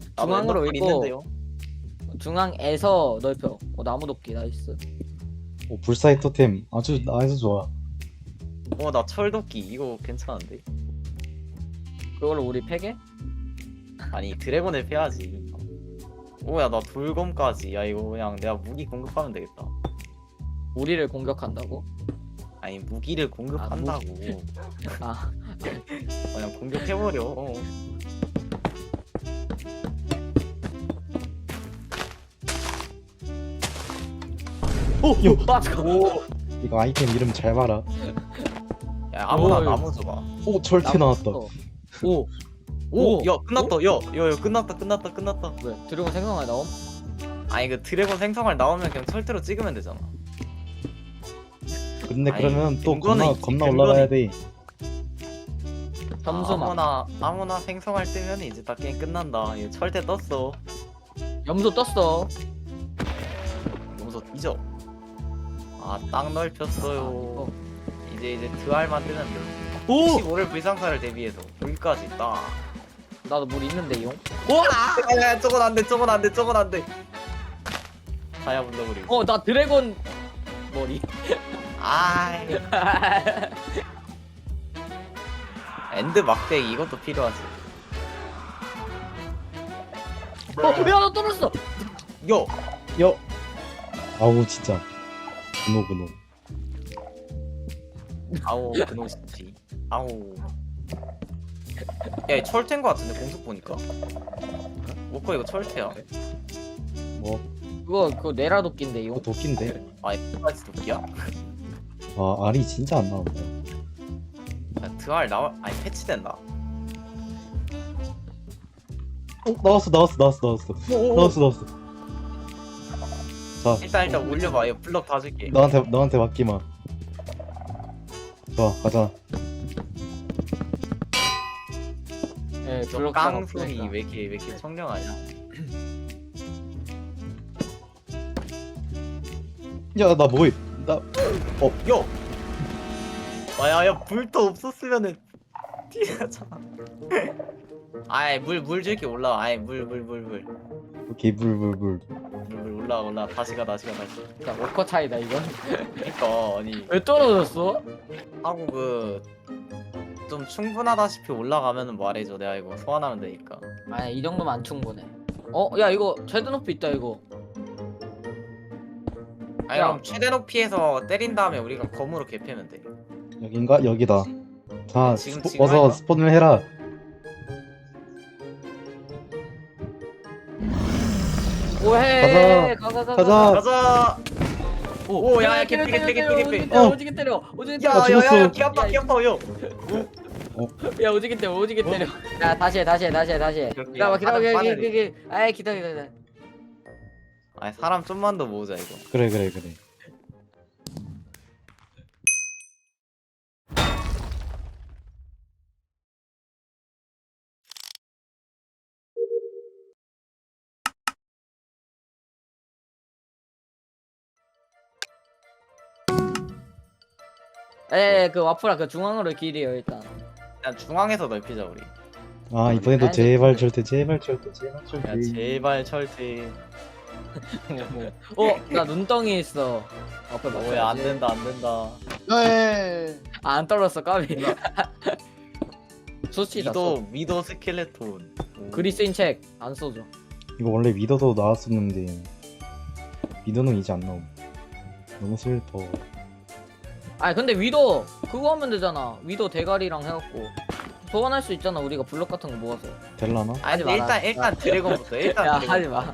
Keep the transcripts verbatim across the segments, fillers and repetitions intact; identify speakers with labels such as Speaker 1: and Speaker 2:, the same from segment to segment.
Speaker 1: 나도
Speaker 2: 중앙으로
Speaker 1: 엔더풀
Speaker 2: 있고
Speaker 1: 있는데요.
Speaker 2: 중앙에서 넓혀. 어, 나무 돕기 나이스.
Speaker 3: 오, 불사의 토템 아주 아주 좋아.
Speaker 1: 어, 나 철도끼 이거 괜찮은데.
Speaker 2: 그걸로 우리 패게?
Speaker 1: 아니 드래곤을 패야지. 오야 나 돌검까지. 야 이거 그냥 내가 무기 공급하면 되겠다.
Speaker 2: 우리를 공격한다고?
Speaker 1: 아니 무기를 공급한다고.
Speaker 2: 아,
Speaker 1: 그냥 공격해버려. 어.
Speaker 2: 오,
Speaker 3: 요.
Speaker 2: 아, 잠깐.
Speaker 1: 오.
Speaker 3: 이거 아이템 이름 잘 봐라.
Speaker 1: 야 아무나
Speaker 2: 오,
Speaker 1: 나무 줘봐.
Speaker 3: 오 절대 나왔다.
Speaker 2: 오,
Speaker 1: 오.
Speaker 2: 오.
Speaker 1: 야 끝났다. 야, 야, 야 끝났다. 끝났다. 끝났다.
Speaker 2: 왜? 드래곤 생성할 나옴?
Speaker 1: 아니 그 드래곤 생성할 나오면 그냥 철퇴로 찍으면 되잖아.
Speaker 3: 근데
Speaker 1: 아니,
Speaker 3: 그러면 또
Speaker 1: 근거는
Speaker 3: 겁나
Speaker 1: 있지,
Speaker 3: 겁나
Speaker 1: 근거는
Speaker 3: 올라가야 돼.
Speaker 2: 점수만.
Speaker 1: 아무나 아무나 생성할 때면 이제 다 게임 끝난다. 얘 철퇴 떴어.
Speaker 2: 염소 떴어.
Speaker 1: 용서 뒤져. 아 땅 넓혔어요. 이제 이제 드알만 뜨면 돼.
Speaker 2: 오!
Speaker 1: 십오를 불상사를 대비해서 여기까지 딱.
Speaker 2: 나도 물 있는데 용.
Speaker 1: 와! 야, 저건 안 돼. 저건 안 돼. 저건 안 돼. 다야 불러버리고.
Speaker 2: 어, 나 드래곤 머리.
Speaker 1: 아이. 엔드 막대기 이것도 필요하지.
Speaker 2: 어, 야, 나 떨어졌어.
Speaker 1: 요.
Speaker 3: 여. 아우 진짜. 근호 근호.
Speaker 1: 아우 그놈 진지. 아우. 야, 철퇴인 거 같은데 공속 보니까. 뭐커 이거 철퇴야.
Speaker 3: 뭐
Speaker 2: 그거 그거 내라 도끼인데
Speaker 3: 이거
Speaker 2: 용.
Speaker 3: 도끼인데.
Speaker 1: 아, 이거까지 도끼야?
Speaker 3: 와 알이 진짜 안 나온다.
Speaker 1: 야, 드알 나와. 아니 패치된다.
Speaker 3: 어 나왔어 나왔어 나왔어 나왔어 나왔어 나왔어. 자
Speaker 1: 일단 일단 올려봐. 이거 블럭 다 줄게.
Speaker 3: 너한테 너한테 맡기마. 좋아 가자.
Speaker 2: 예,
Speaker 1: 저
Speaker 2: 블록
Speaker 1: 깡소리 왜 이렇게 왜 이렇게 청량하냐?
Speaker 3: 야 나 뭐해? 나
Speaker 1: 요. 아야야 불도 없었으면은 티나잖아. 아이 물물 줄게 올라와. 아이 물 물 물 물
Speaker 3: 오케이 불불불.
Speaker 1: 물 물 올라와 올라. 다시 가 다시 가 다시.
Speaker 2: 자, 워커 차이다 이건.
Speaker 1: 그러니까 아니
Speaker 2: 왜 떨어졌어?
Speaker 1: 하고 그 좀 충분하다시피 올라가면은 말해줘. 내가 이거 소환하면 되니까.
Speaker 2: 아니, 이 정도면 안 충분해. 어, 야, 이거 최대 높이 있다 이거.
Speaker 1: 아니
Speaker 2: 야.
Speaker 1: 그럼 최대 높이에서 때린 다음에 우리가 검으로 개패면 돼.
Speaker 3: 여긴가 여기다. 자
Speaker 1: 지금-
Speaker 3: 스포,
Speaker 1: 지금
Speaker 3: 어서
Speaker 1: 할까?
Speaker 3: 스폰을 해라.
Speaker 2: 오해.
Speaker 3: 가자.
Speaker 2: 가가 가가.
Speaker 3: 가자.
Speaker 1: 가자. 오, 야, 야,
Speaker 2: 때려,
Speaker 1: 개피, 개피,
Speaker 2: 때려,
Speaker 1: 개피,
Speaker 2: 때려,
Speaker 1: 개피.
Speaker 2: 오지게 때려,
Speaker 3: 어.
Speaker 2: 오지게 때려, 오지게
Speaker 1: 야,
Speaker 2: 때려.
Speaker 3: 나
Speaker 1: 야, 야, 야,
Speaker 3: 죽었어.
Speaker 1: 귀 아파, 귀 아파, 요.
Speaker 2: 야, 오지게 때려, 오지게 때려. 야, 다시 해, 다시 해, 다시 해, 다시 해.
Speaker 1: 오케이,
Speaker 2: 기다려, 기다려,
Speaker 1: 빠른,
Speaker 2: 기다려,
Speaker 1: 빠르네.
Speaker 2: 기다려. 아이, 기다려, 기다려.
Speaker 1: 아, 사람 좀만 더 모으자 이거.
Speaker 3: 그래 그래 그래.
Speaker 2: 에, 그 와플아, 그 중앙으로 길이요 일단.
Speaker 1: 그냥 중앙에서 넓히자 우리.
Speaker 3: 아 이번에도 제발 절대 제발 절대 제발
Speaker 1: 야,
Speaker 3: 절대.
Speaker 1: 제발 철퇴.
Speaker 2: 어, 나 눈덩이 있어. 와플 맞춰야지.
Speaker 1: 뭐야, 안 된다, 안 된다.
Speaker 4: 네.
Speaker 2: 아, 안 떨었어, 까비. 수치다.
Speaker 1: 미도, 미도 스켈레톤. 오.
Speaker 2: 그리스인 책 안 써줘.
Speaker 3: 이거 원래 미더도 나왔었는데 미더는 이제 안 나옴. 너무 슬퍼.
Speaker 2: 아니 근데 위도 그거 하면 되잖아. 위도 대가리랑 해갖고 소환할 수 있잖아. 우리가 블럭 같은 거 모아서.
Speaker 3: 될라나?
Speaker 1: 아니,
Speaker 2: 하지
Speaker 1: 근데
Speaker 2: 마라.
Speaker 1: 일단, 일단 드래곤부터. 일단
Speaker 2: 야,
Speaker 1: 드래곤.
Speaker 2: 하지 마.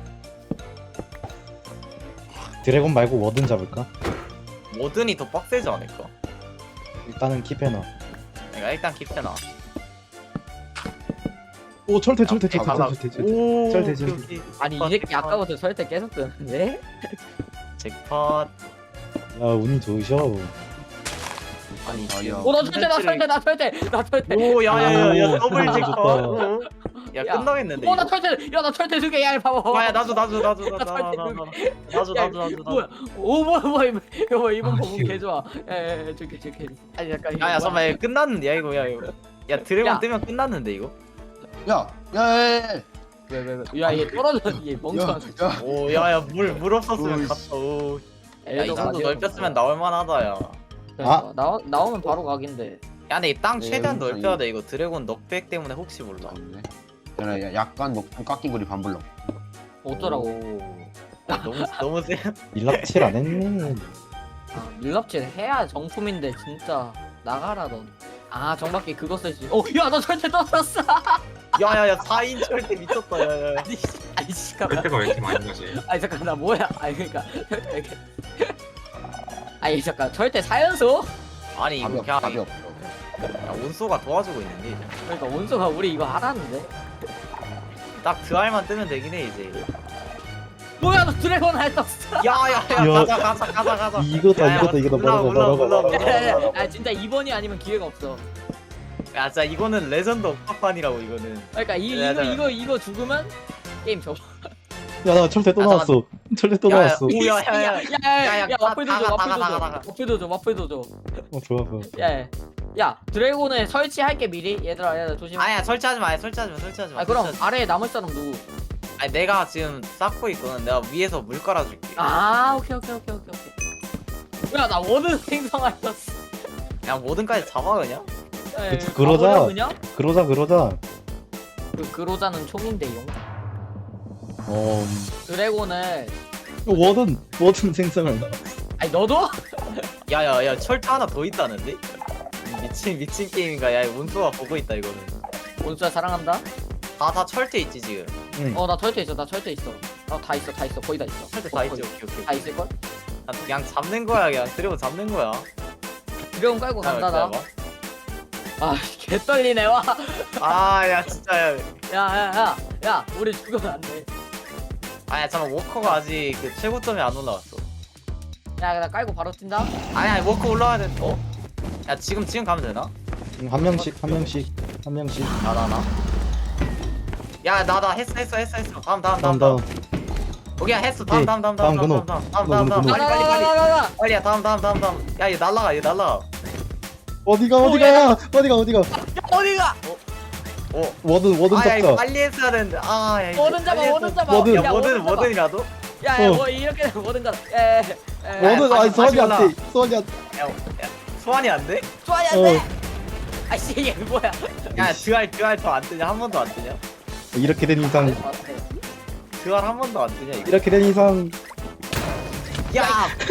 Speaker 3: 드래곤 말고 워든 잡을까?
Speaker 1: 모든이 더 빡세지 않을까?
Speaker 3: 일단은 킵해놔.
Speaker 1: 내가 일단 킵해놔.
Speaker 3: 오 철퇴 철퇴
Speaker 1: 야,
Speaker 3: 철퇴
Speaker 1: 가자.
Speaker 3: 철퇴 철퇴.
Speaker 1: 오,
Speaker 3: 철퇴,
Speaker 1: 오케이,
Speaker 3: 철퇴.
Speaker 1: 오케이.
Speaker 2: 아니 이
Speaker 1: 잭팟,
Speaker 2: 새끼
Speaker 1: 잭팟.
Speaker 2: 아까부터 설때 계속 뜨는데?
Speaker 1: 잭팟.
Speaker 3: 야 운이 좋으셔.
Speaker 1: 아니,
Speaker 4: 아,
Speaker 1: 지금
Speaker 4: 야.
Speaker 2: 오, 나 설때, 나 설때, 나 설때, 나 설때.
Speaker 1: 오, 야, 야, 야, 야,
Speaker 3: 오,
Speaker 1: 더블
Speaker 3: 좋다.
Speaker 1: 잭팟. 어? 야,
Speaker 2: 야.
Speaker 1: 끝나겠는데.
Speaker 2: 오, 나
Speaker 1: 이거.
Speaker 2: 설때, 야, 나 설때 두 개, 야, 봐봐.
Speaker 1: 아, 야, 나도, 나도, 나도, 나도,
Speaker 2: 나
Speaker 1: 나도,
Speaker 2: 설때
Speaker 1: 나도,
Speaker 2: 두
Speaker 1: 나도,
Speaker 2: 개.
Speaker 1: 나도,
Speaker 2: 야,
Speaker 1: 나도, 나도,
Speaker 2: 뭐야?
Speaker 1: 나도.
Speaker 2: 오, 뭐야, 뭐야, 이번, 이거 이번
Speaker 3: 아,
Speaker 2: 부분
Speaker 3: 씨.
Speaker 2: 개 좋아. 야, 야, 야, 줄게, 줄게. 아니 잠깐. 이거
Speaker 1: 야, 야,
Speaker 2: 뭐야?
Speaker 1: 잠깐만, 이거 끝났는데, 야, 이거, 야, 이거. 야, 드래곤
Speaker 2: 야.
Speaker 1: 뜨면 끝났는데, 이거.
Speaker 4: 야, 야, 야, 야, 야.
Speaker 2: 왜 왜 왜? 야 얘 떨어져 얘 멍청한.
Speaker 4: 야,
Speaker 1: 오 야야 물 물 없었으면
Speaker 4: 오이씨.
Speaker 1: 갔다. 오. 야이
Speaker 2: 애도
Speaker 1: 정도
Speaker 2: 가디언
Speaker 1: 넓혔으면 나올 만하다 야.
Speaker 2: 그러니까 나오 나오면 바로 각인데.
Speaker 1: 야 근데 이 땅
Speaker 4: 네,
Speaker 1: 최대한
Speaker 4: 여기서
Speaker 1: 넓혀야
Speaker 4: 이-
Speaker 1: 돼. 이거 드래곤 넉백 때문에 혹시 몰라.
Speaker 4: 없네. 야, 야, 약간 높은 깎인 거리 반블럭.
Speaker 2: 어쩌라고.
Speaker 1: 오. 아, 너무 너무 세.
Speaker 3: 일락칠 안 했네.
Speaker 2: 아, 밀랍질 해야 정품인데 진짜 나가라 넌. 아 정밖에 그거 쓸지. 어야너 절대 떨어졌어.
Speaker 1: 야야야 사 인 절대 미쳤다. 야야.
Speaker 2: 아니 씨, 아니 잠깐만.
Speaker 5: 그때가 왜 이렇게 많이 가지?
Speaker 2: 아니 잠깐 나 뭐야? 아니 그러니까 이렇게. 아니 잠깐 절대 사연소?
Speaker 1: 아니
Speaker 4: 답이
Speaker 1: 이거
Speaker 4: 없,
Speaker 1: 그냥
Speaker 4: 답이 없어.
Speaker 1: 야, 온소가 도와주고 있는데 이제.
Speaker 2: 그러니까 원소가 우리 이거 하라는데.
Speaker 1: 딱 드알만 뜨면 되긴 해 이제.
Speaker 2: 뭐야 너 드래곤 할 떴어.
Speaker 1: 야야야
Speaker 3: 야.
Speaker 1: 가자 가자 가자 가자.
Speaker 3: 이거다
Speaker 1: 야,
Speaker 3: 이거다 이거다
Speaker 1: 올라가,
Speaker 3: 뭐라고
Speaker 1: 올라가,
Speaker 3: 뭐라고
Speaker 1: 올라가.
Speaker 3: 뭐라고.
Speaker 2: 아 진짜 이번이 아니면 기회가 없어.
Speaker 1: 야 진짜 이거는 레전드 업판이라고 이거는.
Speaker 2: 그러니까 이
Speaker 1: 야,
Speaker 2: 이거
Speaker 1: 야.
Speaker 2: 이거 이거 죽으면 게임 접어.
Speaker 3: 야나 철퇴 또
Speaker 1: 아,
Speaker 3: 나왔어. 철퇴 또
Speaker 1: 야, 야,
Speaker 3: 나왔어.
Speaker 1: 오, 야, 야, 야.
Speaker 2: 야야야
Speaker 1: 야, 야,
Speaker 2: 와플도 줘
Speaker 1: 다가,
Speaker 2: 와플도
Speaker 1: 다가,
Speaker 2: 줘
Speaker 1: 다가.
Speaker 2: 와플도 줘 와플도 줘.
Speaker 3: 어 좋았어.
Speaker 2: 야야 야 드래곤을 설치할게 미리 얘들아 얘들아 조심.
Speaker 1: 아야 설치하지 마 설치하지 마 설치하지 마.
Speaker 2: 아 그럼
Speaker 1: 설치하지
Speaker 2: 아래에 남을 사람 누구?
Speaker 1: 마. 아니 내가 지금 쌓고 있거든. 내가 위에서 물 깔아줄게.
Speaker 2: 아 오케이 오케이 오케이 오케이 오케이. 야나 워든 생성할 떴어.
Speaker 1: 야 뭐든까지 잡아 그냥.
Speaker 3: 그- 그러자.
Speaker 2: 가버려, 그냥?
Speaker 3: 그러자 그러자.
Speaker 2: 그 그로자는 총인데용.
Speaker 3: 어
Speaker 2: 드래곤을
Speaker 3: 워든 워든 생성을 나.
Speaker 2: 아니 너도?
Speaker 1: 야야야 철퇴 하나 더 있다는데? 미친 미친 게임인가? 야 운수가 보고 있다 이거는.
Speaker 2: 원수야 사랑한다.
Speaker 1: 다 다 철퇴 있지 지금.
Speaker 3: 응.
Speaker 2: 어 나 철퇴 있어 나 철퇴 있어. 어다 있어 다 있어 거의 다 있어.
Speaker 1: 철퇴
Speaker 2: 어,
Speaker 1: 다 있지.
Speaker 2: 거의.
Speaker 1: 오케이 오케이.
Speaker 2: 다 있을 걸?
Speaker 1: 아, 그냥 잡는 거야 그냥 드래곤 잡는 거야.
Speaker 2: 드래곤 깔고 간다 나.
Speaker 1: 기다려봐.
Speaker 2: 아 개떨리네 와.
Speaker 1: 아야 진짜 야.
Speaker 2: 야야야 야 우리 죽으면 안 돼.
Speaker 1: 아야 잠깐 워커가 아직 그 최고점이 안 올라왔어.
Speaker 2: 야 나 깔고 바로 뛴다.
Speaker 1: 아니 아니 워커 올라와야 돼. 어? 야 지금 지금 가면 되나?
Speaker 3: 응, 한 명씩 한 명씩 한 명씩.
Speaker 1: 나 나 나. 야 나 나 했어 했어 했어 했어. 다음 다음
Speaker 3: 다음
Speaker 1: 다음.
Speaker 3: 다음.
Speaker 1: 오케이 했어. 다음
Speaker 3: 오케이.
Speaker 1: 다음 다음
Speaker 3: 다음
Speaker 1: 다음
Speaker 3: 근호.
Speaker 1: 다음 다음 다음
Speaker 3: 근호,
Speaker 1: 다음 다음
Speaker 3: 근호.
Speaker 1: 빨리 빨리 빨리.
Speaker 2: 가가가가가.
Speaker 1: 빨리야 다음 다음 다음 다음. 야얘 날라가 얘 날라가.
Speaker 3: 어디가 어디가 어디가 어디가.
Speaker 2: 어디가?
Speaker 1: 어.
Speaker 3: 워든 워든
Speaker 1: 아야 이거
Speaker 3: 잡자.
Speaker 1: 빨리 했어야 되는데. 아야 이거.
Speaker 2: 뭐든 잡아
Speaker 1: 빨리
Speaker 2: 뭐든
Speaker 1: 했어.
Speaker 2: 잡아.
Speaker 3: 뭐든.
Speaker 1: 야
Speaker 2: 야,
Speaker 1: 뭐든
Speaker 2: 잡아.
Speaker 1: 뭐든이라도.
Speaker 2: 야야
Speaker 3: 어.
Speaker 2: 뭐 이렇게 뭐든 가라. 에.
Speaker 3: 워든
Speaker 1: 다시,
Speaker 3: 아니
Speaker 1: 다시
Speaker 3: 소환이한테
Speaker 1: 올라.
Speaker 3: 소환이한테.
Speaker 1: 야, 야 소환이 안 돼?
Speaker 2: 좋아야
Speaker 3: 어.
Speaker 2: 돼. 아씨 얘 뭐야?
Speaker 1: 야 드알 드알 더 안 뜨냐? 한 번도 안 뜨냐?
Speaker 3: 이렇게 된 이상
Speaker 1: 드알 한 번도 안 뜨냐 이거?
Speaker 3: 이렇게 된 이상
Speaker 1: 야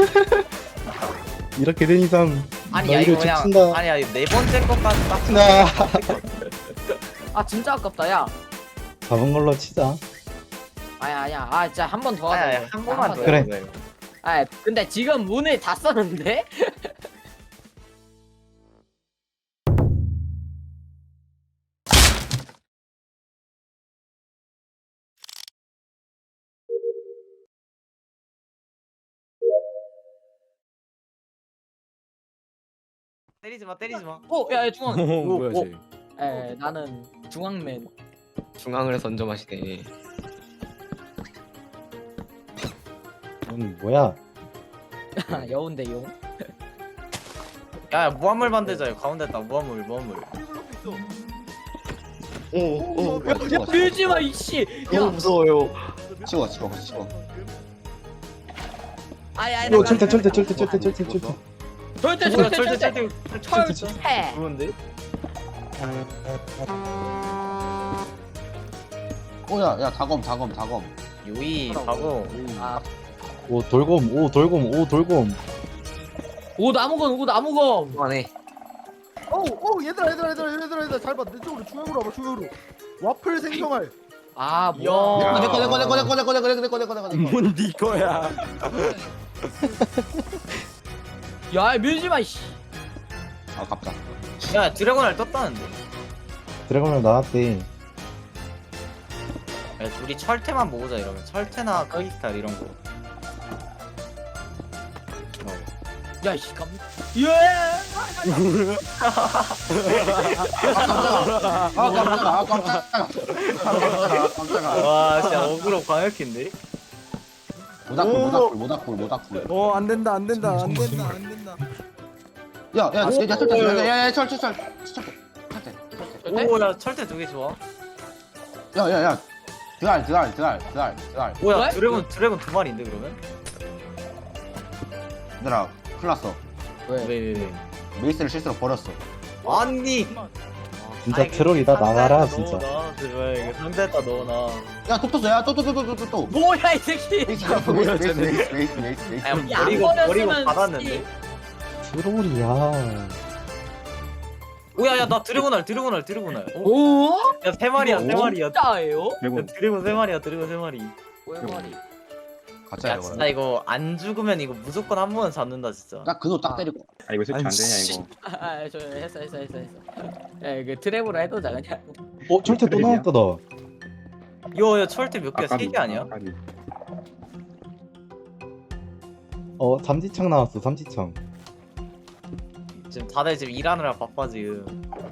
Speaker 3: 이렇게 된 이상
Speaker 1: 아니 야
Speaker 3: 너희를
Speaker 1: 이거 그냥
Speaker 3: 죽친다.
Speaker 1: 아니야 이거 네 번째 것까지 딱.
Speaker 3: 나
Speaker 2: 아 진짜 아깝다 야.
Speaker 3: 잡은 걸로 치자.
Speaker 2: 아야 아야 아 진짜 한 번 더 하자.
Speaker 1: 아야
Speaker 2: 이거.
Speaker 1: 한 번만
Speaker 2: 번
Speaker 1: 더.
Speaker 2: 더.
Speaker 3: 그래.
Speaker 1: 해보자, 이거.
Speaker 2: 아 근데 지금 문을 다 썼는데?
Speaker 1: 때리지 마 때리지 마.
Speaker 2: 어야 중앙.
Speaker 5: 뭐야
Speaker 1: 오.
Speaker 5: 쟤?
Speaker 2: 에 나는 중앙맨.
Speaker 5: 중앙을 선점하시네.
Speaker 3: 넌 뭐야?
Speaker 2: 여운대 용.
Speaker 1: 야, 야 무한물 만들자. 이거 가운데 딱 무한물 무한물.
Speaker 4: 오오
Speaker 2: 야 밀지 마 이씨. 야
Speaker 5: 무서워요.
Speaker 4: 치워 치워 치워.
Speaker 2: 아야
Speaker 3: 오 철퇴 철퇴 철퇴 철퇴 철퇴 철퇴.
Speaker 2: 절대
Speaker 1: 뭐야
Speaker 2: 절대
Speaker 1: 철퇴
Speaker 2: 절대
Speaker 1: 철퇴
Speaker 2: 철퇴.
Speaker 1: 그런데?
Speaker 4: 오야 야 다검 다검 다검.
Speaker 1: 요이 하고.
Speaker 2: 아,
Speaker 3: 오 돌곰 오 돌곰 오 돌곰.
Speaker 2: 오 나무건 오 나무건.
Speaker 5: 그만해.
Speaker 6: 어우 어우 얘들아 얘들아 얘들아 얘들아 얘들아 잘 봐 내 쪽으로 중앙으로 와봐 중앙으로 와플 생성할
Speaker 2: 아
Speaker 1: 야.
Speaker 2: 뭐야?
Speaker 4: 내꺼 내꺼 내꺼 내꺼 내꺼 내꺼 내꺼 내꺼 내꺼 내꺼.
Speaker 5: 뭔네 거야?
Speaker 2: 야 밀지 마 이씨.
Speaker 4: 아깝다.
Speaker 1: 야 드래곤알 떴다는데.
Speaker 3: 드래곤을 나왔대.
Speaker 1: 야 우리 철퇴만 모으자 이러면 철퇴나 크리스탈 이런 거.
Speaker 2: 야 이씨 깜. 예.
Speaker 4: 아 깜짝아 아 깜짝아. 아 깜짝아.
Speaker 1: 와 진짜 어그로 광역인데.
Speaker 4: 모닥불 모닥불 모닥불 모닥불.
Speaker 6: 어 안된다 안된다 안된다 안된다
Speaker 4: 야야야 철철 야야야 철철 철 철철 철철.
Speaker 2: 절대?
Speaker 1: 오야 철퇴 두 개 좋아.
Speaker 4: 야야야 드알 드알 드알 드알 드알.
Speaker 1: 뭐야
Speaker 2: 왜?
Speaker 1: 드래곤 드래곤 두 마리인데 그러면?
Speaker 4: 얘들아 큰일 났어.
Speaker 2: 왜?
Speaker 1: 왜 왜 왜?
Speaker 4: 메이스를 실수로 버렸어.
Speaker 1: 아니
Speaker 3: 진짜
Speaker 1: 아이, 그
Speaker 3: 트롤이다 나가라
Speaker 1: 상자에다
Speaker 3: 진짜.
Speaker 1: 넣어놔, 제발 이거 상자에다 넣어놔.
Speaker 4: 야또 떴어 야또 또 또 또 또 또.
Speaker 2: 뭐야 이 새끼.
Speaker 4: 메이스 메이스 메이스 메이스 메이스 메이스 메이스.
Speaker 1: 야,
Speaker 2: 야,
Speaker 1: 버리고
Speaker 2: 안
Speaker 1: 버리고
Speaker 2: 버렸으면
Speaker 1: 받았는데.
Speaker 3: 트롤이야.
Speaker 1: 오야 야 나 드래곤알 드래곤알 드래곤알. 어?
Speaker 2: 오?
Speaker 1: 야 세 마리야 세 마리야. 야,
Speaker 2: 진짜예요?
Speaker 1: 드래곤 세 마리야 드래곤 세 마리.
Speaker 2: 꼴머리.
Speaker 4: 가짜야
Speaker 1: 야
Speaker 4: 이거.
Speaker 1: 진짜 이거 안 죽으면 이거 무조건 한 번은 잡는다 진짜.
Speaker 4: 딱 그거 딱 때리고.
Speaker 7: 아 이거 설치 안 되냐 이거.
Speaker 2: 아저 했어 했어 했어 했어. 야 이거 트랩으로 해도자 그냥.
Speaker 3: 어 철퇴 또 나왔다 너.
Speaker 1: 이거 야 철퇴 몇 개야? 세
Speaker 7: 아까비,
Speaker 1: 개 아니야?
Speaker 7: 아까비.
Speaker 3: 어 삼지창 나왔어 삼지창.
Speaker 1: 지금 다들 지금 일하느라 바빠 지금.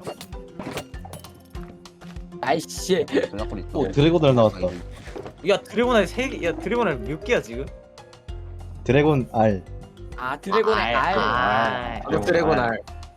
Speaker 2: 아이씨.
Speaker 4: 전략골 있다.
Speaker 3: 오 드래곤을 나왔다.
Speaker 1: 야 드래곤알 세 개. 야 드래곤알 몇 개야 지금?
Speaker 3: 드래곤 알.
Speaker 2: 아 드래곤의
Speaker 1: 아,
Speaker 2: 알.
Speaker 1: 아,
Speaker 5: 아, 드래곤 알.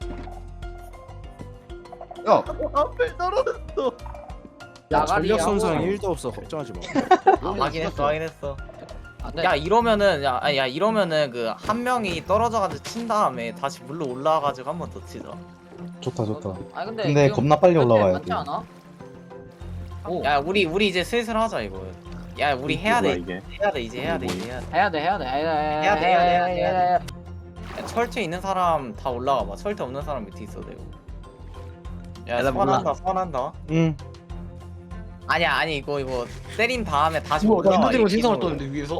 Speaker 4: 야
Speaker 6: 앞에 떨어졌어.
Speaker 2: 나가리
Speaker 8: 전력 손상
Speaker 2: 하고.
Speaker 8: 일도 없어. 걱정하지 마.
Speaker 1: 아, 확인했어 확인했어.
Speaker 2: 안 돼.
Speaker 1: 야 이러면은 야, 아니, 야 이러면은 그 한 명이 떨어져가지고 친 다음에 다시 물로 올라와가지고 한 번 더 치자.
Speaker 3: 좋다 좋다.
Speaker 2: 아 근데.
Speaker 3: 근데
Speaker 2: 지금
Speaker 3: 겁나 빨리
Speaker 2: 절대
Speaker 3: 올라와야
Speaker 2: 맞지
Speaker 3: 돼.
Speaker 2: 않아? 오.
Speaker 1: 야 우리 우리 이제 슬슬 하자 이거. 야 우리 해야
Speaker 7: 뭐야,
Speaker 1: 돼
Speaker 7: 이게?
Speaker 1: 해야 돼 이제 해야 돼 이제 해야 돼.
Speaker 2: 해야 돼 해야 돼 해야 돼
Speaker 1: 해야 돼, 해야 돼, 해야 돼. 야, 철퇴 있는 사람 다 올라가 봐. 철퇴 없는 사람 밑에 있어 되고. 야
Speaker 5: 나 몰라.
Speaker 1: 선한다 선한다.
Speaker 3: 응.
Speaker 1: 아니야 아니 이거 이거 때린 다음에 다시
Speaker 5: 뭐, 나
Speaker 1: 올라와.
Speaker 5: 인도드래곤
Speaker 1: 이
Speaker 5: 신성을
Speaker 1: 기본으로.
Speaker 5: 떴는데 위에서?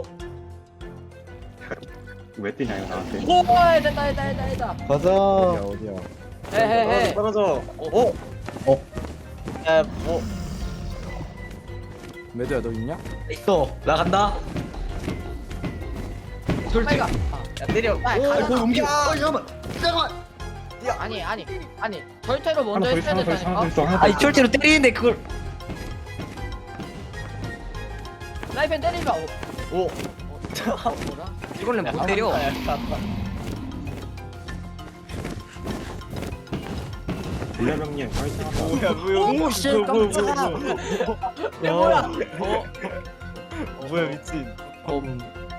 Speaker 7: 왜 뛰냐 이거 나한테.
Speaker 2: 오 됐다 됐다 됐다 됐다.
Speaker 3: 가자.
Speaker 8: 어디야 어디야.
Speaker 2: 헤헤헤.
Speaker 1: 떨어져. 어?
Speaker 3: 어?
Speaker 1: 야 뭐?
Speaker 8: 매드야 너 있냐?
Speaker 5: 있어. 나간다.
Speaker 2: 빨리 가.
Speaker 1: 야 때려.
Speaker 2: 빨리 가.
Speaker 4: 거기 움직여. 어 잠깐만. 잠깐만.
Speaker 2: 아니 아니 아니 절대로 먼저
Speaker 7: 하나 더
Speaker 2: 했어야
Speaker 7: 있어 하나 더 있어 하나 더
Speaker 2: 된다니까.
Speaker 7: 있어 하나 더
Speaker 5: 아니
Speaker 7: 있어.
Speaker 5: 철제로 때리는데 그걸.
Speaker 2: 라이펜 때리지 마. 어,
Speaker 1: 오.
Speaker 2: 어, 뭐라?
Speaker 5: 이걸로 못 때려.
Speaker 7: 불량병님 화이팅 한다.
Speaker 1: 뭐야 뭐야.
Speaker 2: 오 씨, 깜짝이야.
Speaker 1: 야 뭐야? 어? 어 뭐야 미친.
Speaker 2: 음.